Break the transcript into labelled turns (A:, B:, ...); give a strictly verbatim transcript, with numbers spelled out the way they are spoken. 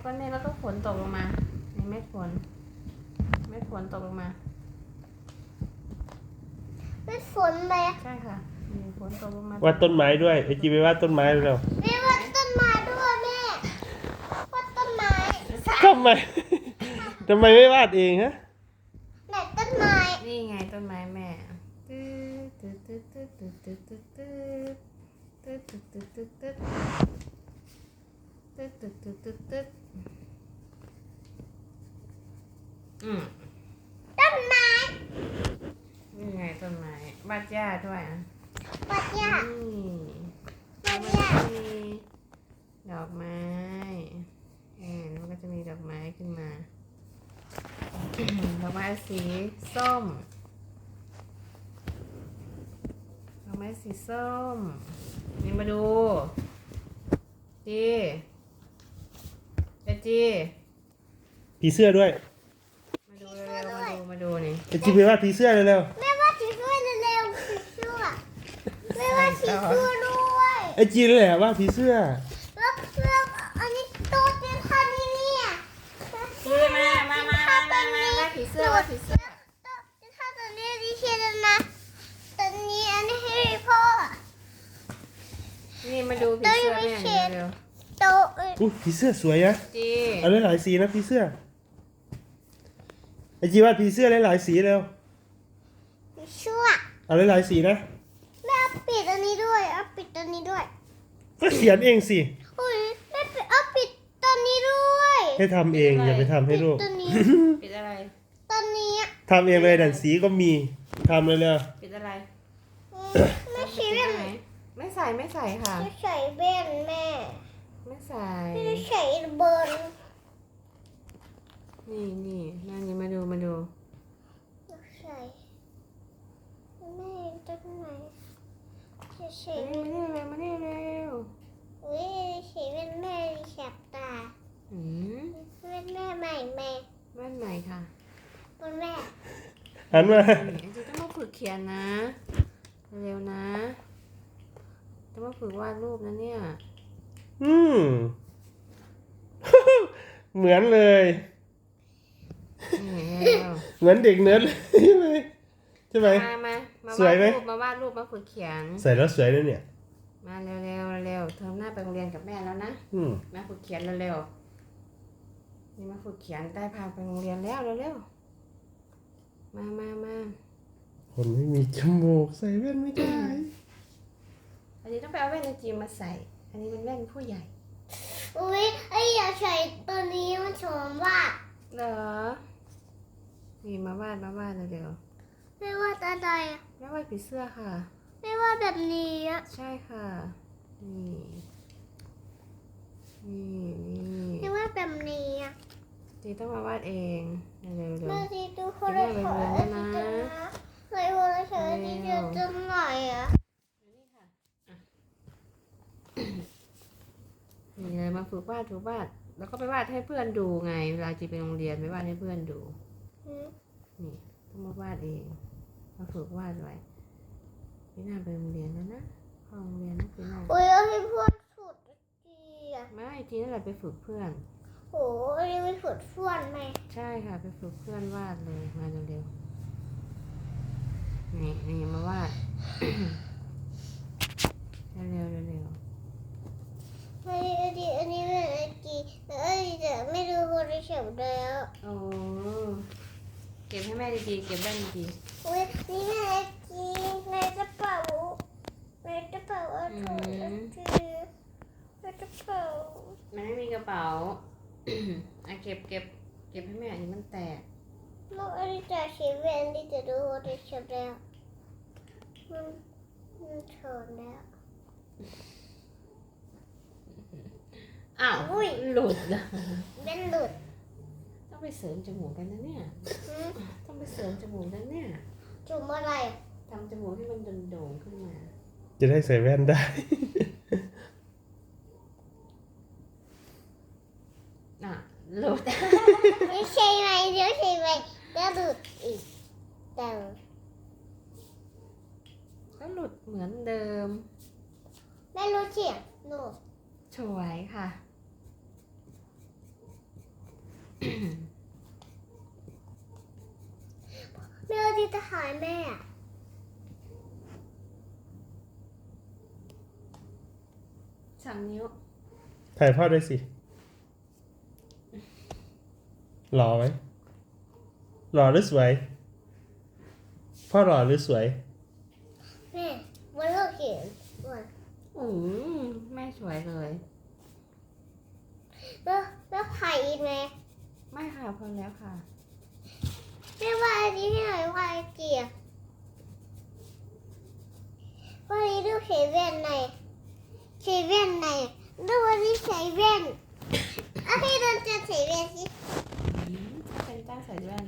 A: ก้อนเมฆแล้วก็ฝนตกลงมานี่เม็ดฝนเม็ดฝนตกลงมา
B: เม็ดฝนไหม
A: ใช่ค่ะมีฝนตกลงมาว
C: าดต้นไม้ด้วยไอจีไปวาดต้นไม้เร็ว
B: แม่วาดต้นไม้ด้วยแม่วาดต้นไม้
C: ทำไม ทำไมไม่วาดเองฮะ
B: ไหนต้นไม้
A: นี่ไงต้นไม้แม่ตึ๊ดตึ๊ดตึ๊ดตึ๊ดตึ๊ดตึ๊ดตึ๊ดตึ๊ดตึ๊ดตึ๊ดตึ๊ดตึ๊ดตึ๊ดตึ๊ดตึ๊ดตึ๊ดตึ๊ดอืม
B: ต้นไม้
A: นี่ไงต้นไม้บาดหญ้าด้วยอ่ะ
B: ปัดยา
A: นี่
B: ปัด
A: มัน
B: ยา
A: จะมีดอกไม้เห็นมันก็จะมีดอกไม้ขึ้นมา ดอกไม้สีส้มดอกไม้สีส้มนี่มาดูจีเอจี
C: ผีเสื้อด้วย
A: มาดูเร็วๆมาดูมาดูนี่
C: ไอจีไปวาดผีเสื้อเร็ว
B: แม่วาดสีช่วยเร็วๆสีช่วยแม่วาดสีช่วยด้วย
C: ๆไอจีนั่นแหละวาดผีเสื้อ
B: แล้วแล้วอันนี้ตัวเต็มคันนี่เนี่ย
A: จีมามามามามามาว่าผีเสื้อว่าผีเสื้อ
B: จะทำตัวนี้ดิเชียนนะตัวนี้อันนี้ให้พ่อ
A: นี่มาดูผีเสื้อแม่นี่เร็ว
B: โตเอ้ย
C: อุ้ยผีเสื้อสวยนะ
A: ๆจี
C: เอาหลายๆสีนะผีเสื้อไอจีวาดผีเสื้อหลายๆสีเร็ว
B: ชั่ว
C: เอาหลายๆสีนะ
B: แม่เอาปิดอันนี้ด้วยเอาปิดตัวนี้ด้วย
C: ก็เขียนเองสิ
B: อุ้ยแม่ปิดเอาปิดตัวนี้ด้วย
C: ให้ทำเองอย่าไปทำให้ลูก
B: ปิดตัวนี้
A: ปิดอะไร
B: ตัวนี้
C: ทำเองเลยดันสีก็มีทำเลยเลย
A: ปิดอะไร
B: ไม่ใช่
A: ปิด
B: แว่น
A: ไหนไม่ใส่ไม่ใส่ค่ะ
B: ไม่ใส่แว่นแม่
A: ไม่ใส่
B: ไม่ใส่เบิร์น
A: นี่นี่นั่นนี่มาดูมาดู
B: ไม่ใส่แม่ตัวไหนจะใส่
A: มานี่มานี่เร็วมานี่เร็ว
B: อุ้ยใส่แว่นแม่แสบตา
A: อืม
B: แว่นแม่ใหม่แม่
A: บ้านใหม่ค่ะ
B: บนแม่
C: หันมา
A: นี่จะต้องมาฝึกเขียนนะ เร็วนะต้องมาฝึกวาดรูปนะเนี่ย
C: อืม เหมือนเลย
A: นี่เร็ว
C: เหมือนเด็กเนิร์ดเลยใช่ไหมใช่ไหม
A: มามามา
C: สวยไหม
A: วาดรูปมาวาดรูปมาฝึกเขียน
C: ใส่แล้วสวยด้วยเนี่ย
A: มาเร็วเร็วเร็วเทอมหน้าไปโรงเรียนกับแม่แล้วนะ
C: อืม
A: มาฝึกเขียนเร็วๆนี่มาฝึกเขียนได้พาไปโรงเรียนแล้วเร็วๆมามามา
C: คนไม่มีจมูกใส่แว่นไม่ได้
A: อันนี้ต้องไปเอาแว่นในจีมมาใส่ อันนี้เป็นแว่นผู้ใหญ่
B: อุ้ยไอ้อยากใส่ตัวนี้มันชมว่า
A: เหรอ นี่มาวาดมาวาดเร็ว
B: ไม่ว่าอะไรอะ
A: ๆแม่วาดผีเสื้อค่ะ
B: ไม่ว่าแบบนี้อะ
A: ใช่ค่ะ นี่ นี่นี่
B: ไม่ว่าแบบนี้อะ
A: จีต้องมาวาดเองเร็วๆ
B: แม่
A: เร็ว
B: ดีดูคนละขออันนี้จะนะเคยคนละขออันนี้จะจำหน่อยอะ
A: นี่เลยมาฝึกวาดฝึกวาด แล้วก็ไปวาดให้เพื่อนดูไง เวลาจีไปโรงเรียนไปวาดให้เพื่อนดู
B: อืม
A: นี่ต้องมาวาดเอง มาฝึกวาดไว้พี่หน้าไปโรงเรียนแล้วนะเข้าโรงเรียนนะพี่หน้า
B: อุ้ยเอาให้เพื่อนสุดดีอะ
A: ไม่จีนั่นแหละไปฝึกเพื่อน
B: โหอันนี้ไม่สุดฟ้วนไหม
A: ใช่ค่ะไปฝึกเพื่อนวาดเลยมาเร็วๆนี่นี่มาวาด เร็วๆเร็ว
B: ไม่อันนี้อันนี้เป็นอันกีแต่อันนี้จะไม่ดูคนละเฉยแล้ว
A: ๆโอ้เก็บให้แม่ดีๆเก็บได้ดี
B: อุ้ยนี่เป็นอันกีในกระเป๋าในกระเป๋าอันถุงอันกีในกระเป๋า
A: ๆมันไม่มีกระเป๋า อ่ะเก็บเก็บเก็บให้แม่อันนี้มันแตก
B: แล้วอันนี้จะเขียนอันนี้จะดูคนละเฉยแล้วมันมันเถินแล้ว
A: อ้าว
B: อุ้ย
A: หลุดอะ
B: เป็นหลุด
A: ต้องไปเสริมจมูกกันนะเนี่ย
B: หืม
A: ต้องไปเสริมจมูกกันเนี่ย
B: จุ่มอะไร
A: ทำจมูกให้มันโด่งๆขึ้นมา
C: จะได้ใส่แว่นได้
A: อ่ะหลุด
B: ไม่ใช่ไหมเดี๋ยวใช่ไหมเดี๋ยวหลุดอีกแต่
A: ก็หลุดเหมือนเดิม
B: ไม่รู้เฉียงหนู
A: สวยค่ะ
B: แม่เอาที่ทหารแม่อะ
A: สามนิ้ว
C: ถ่ายพ่อด้วยสิหล่อไหมหล่อหรือสวย พ่อหล่อหรือสวย
B: แม่วันเราเขียนวัน
A: อืมแม่สวยเลย
B: แล้วแล้วไผ่อีกไหม
A: ไม่ค่ะพอแล้วค่ะ
B: แม่ว่าอันนี้ให้หน่อยว่าไอ้เกียร์วันนี้ดูใส่แว่นในใส่แว่นในดูวันนี้ใส่แว่นเอาให้เราจะใส่แว่นสิ
A: เป็นต้าใส่แว่น